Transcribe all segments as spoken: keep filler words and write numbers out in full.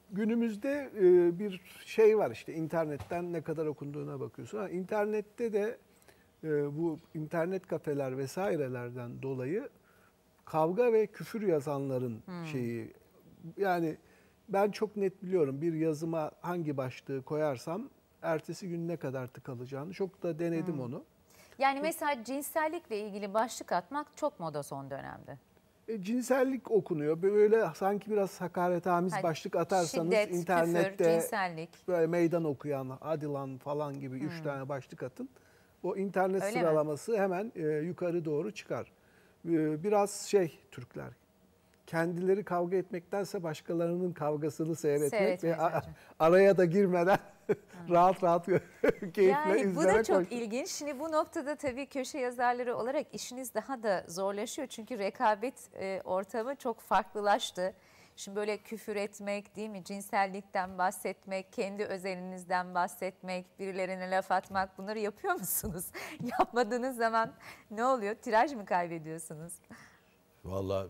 günümüzde e, bir şey var işte internetten ne kadar okunduğuna bakıyorsun. Ha, internette de e, bu internet kafeler vesairelerden dolayı kavga ve küfür yazanların hmm. şeyi, yani ben çok net biliyorum bir yazıma hangi başlığı koyarsam ertesi gün ne kadar tıkalacağını, çok da denedim hmm. onu. Yani mesela cinsellikle ilgili başlık atmak çok moda son dönemde. E, cinsellik okunuyor. Böyle sanki biraz hakaretamiz yani başlık atarsanız şiddet, internette küfür, cinsellik. Böyle meydan okuyan, hadi lan falan gibi hmm. üç tane başlık atın. O internet Öyle sıralaması mi? hemen e, yukarı doğru çıkar. E, biraz şey Türkler, kendileri kavga etmektense başkalarının kavgasını seyretmek Seyretmeyiz ve a, araya da girmeden rahat rahat keyifle yani izlemek. Bu da çok hoş. ilginç. Şimdi bu noktada tabii köşe yazarları olarak işiniz daha da zorlaşıyor. Çünkü rekabet e, ortamı çok farklılaştı. Şimdi böyle küfür etmek, değil mi? Cinsellikten bahsetmek, kendi özelinizden bahsetmek, birilerine laf atmak, bunları yapıyor musunuz? Yapmadığınız zaman ne oluyor? Tiraj mı kaybediyorsunuz? Vallahi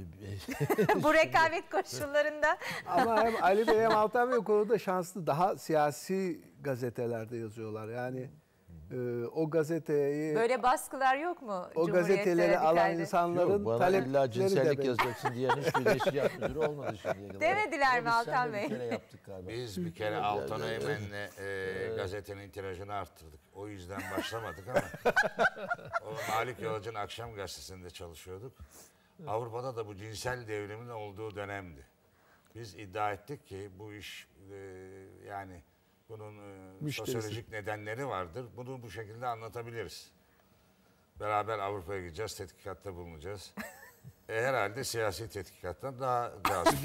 bu rekabet koşullarında. Ama hem Ali Bey hem Altan Bey o konuda şanslı. Daha siyasi gazetelerde yazıyorlar. Yani e, o gazeteyi... Böyle baskılar yok mu? O gazeteleri alan insanların yok, bana talepleri illa cinsellik yazacaksın diyen hiçbir neşri yapmıyor olmadı şimdiye kadar. Demediler mi Altan Bey? Bir kere yaptık galiba. Biz bir kere Altan Öğmen'le e, gazetenin tirajını arttırdık. O yüzden başlamadık ama o Malik Yolcu'nun akşam gazetesinde çalışıyorduk. Avrupa'da da bu cinsel devrimin olduğu dönemdi. Biz iddia ettik ki bu iş e, yani bunun e, sosyolojik nedenleri vardır. Bunu bu şekilde anlatabiliriz. Beraber Avrupa'ya gideceğiz, tetkikatta bulunacağız. e, herhalde siyasi tetkikattan daha cazip.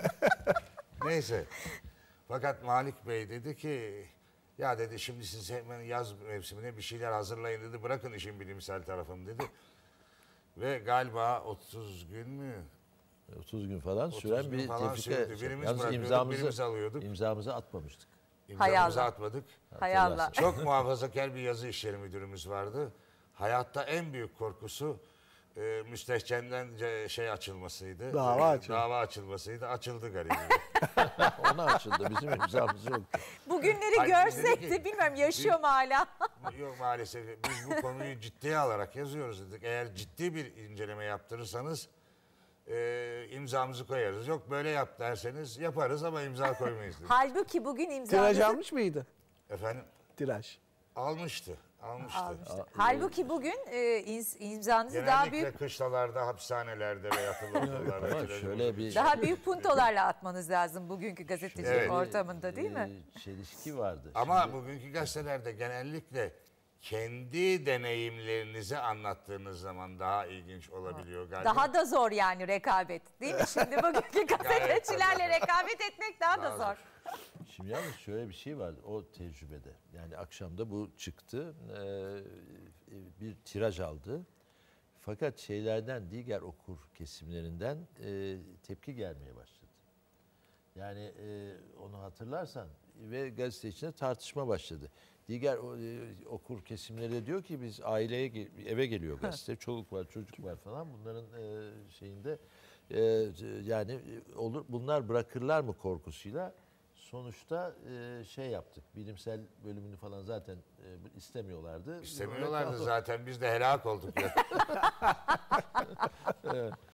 Neyse. Fakat Malik Bey dedi ki, ya dedi şimdi siz hemen yaz mevsimine bir şeyler hazırlayın dedi. Bırakın işin bilimsel tarafını dedi. Ve galiba otuz gün mü? otuz gün falan süren bir tefrika. Birimiz imzamızı, birimiz alıyorduk. İmzamızı atmamıştık. İmzamızı atmadık. Hay Allah. Çok muhafazakar bir yazı işleri müdürümüz vardı. Hayatta en büyük korkusu e, müstehcenden şey açılmasıydı. Dava açıldı. Dava açılmasıydı. Açıldı galiba. Ona açıldı. Bizim imzamız yok. Bugünleri Hayır, görsek de bilmem yaşıyor biz, mu hala? Yok maalesef. Biz bu konuyu ciddiye alarak yazıyoruz dedik. Eğer ciddi bir inceleme yaptırırsanız e, imzamızı koyarız. Yok böyle yap derseniz yaparız ama imza koymayız dedik. Halbuki bugün imzamızı... Tiraj almış mıydı? Efendim? Tiraj. Almıştı. Almıştı. Almıştı. Halbuki bugün e, imzanızı Genellikle daha büyük... Genellikle kışlalarda, hapishanelerde ve yatılı okullarda. şöyle bir... Daha büyük puntolarla atmanız lazım bugünkü gazetecilik evet. ortamında değil mi? E, çelişki vardı. Ama Şimdi... bugünkü gazetelerde genellikle kendi deneyimlerinizi anlattığınız zaman daha ilginç olabiliyor galiba. Daha da zor yani rekabet değil mi? Şimdi bugünkü gazetecilerle rekabet etmek daha, daha da zor. zor. Şimdi yalnız şöyle bir şey vardı o tecrübede. Yani akşamda bu çıktı. Bir tiraj aldı. Fakat şeylerden, diğer okur kesimlerinden tepki gelmeye başladı. Yani onu hatırlarsan ve gazete içinde tartışma başladı. Diğer okur kesimleri de diyor ki biz aileye eve geliyor gazete, çoluk var, çocuk var falan. Bunların şeyinde yani olur bunlar bırakırlar mı korkusuyla sonuçta şey yaptık. Bilimsel bölümünü falan zaten istemiyorlardı. İstemiyorlardı zaten. Biz de helak olduk ya. Evet.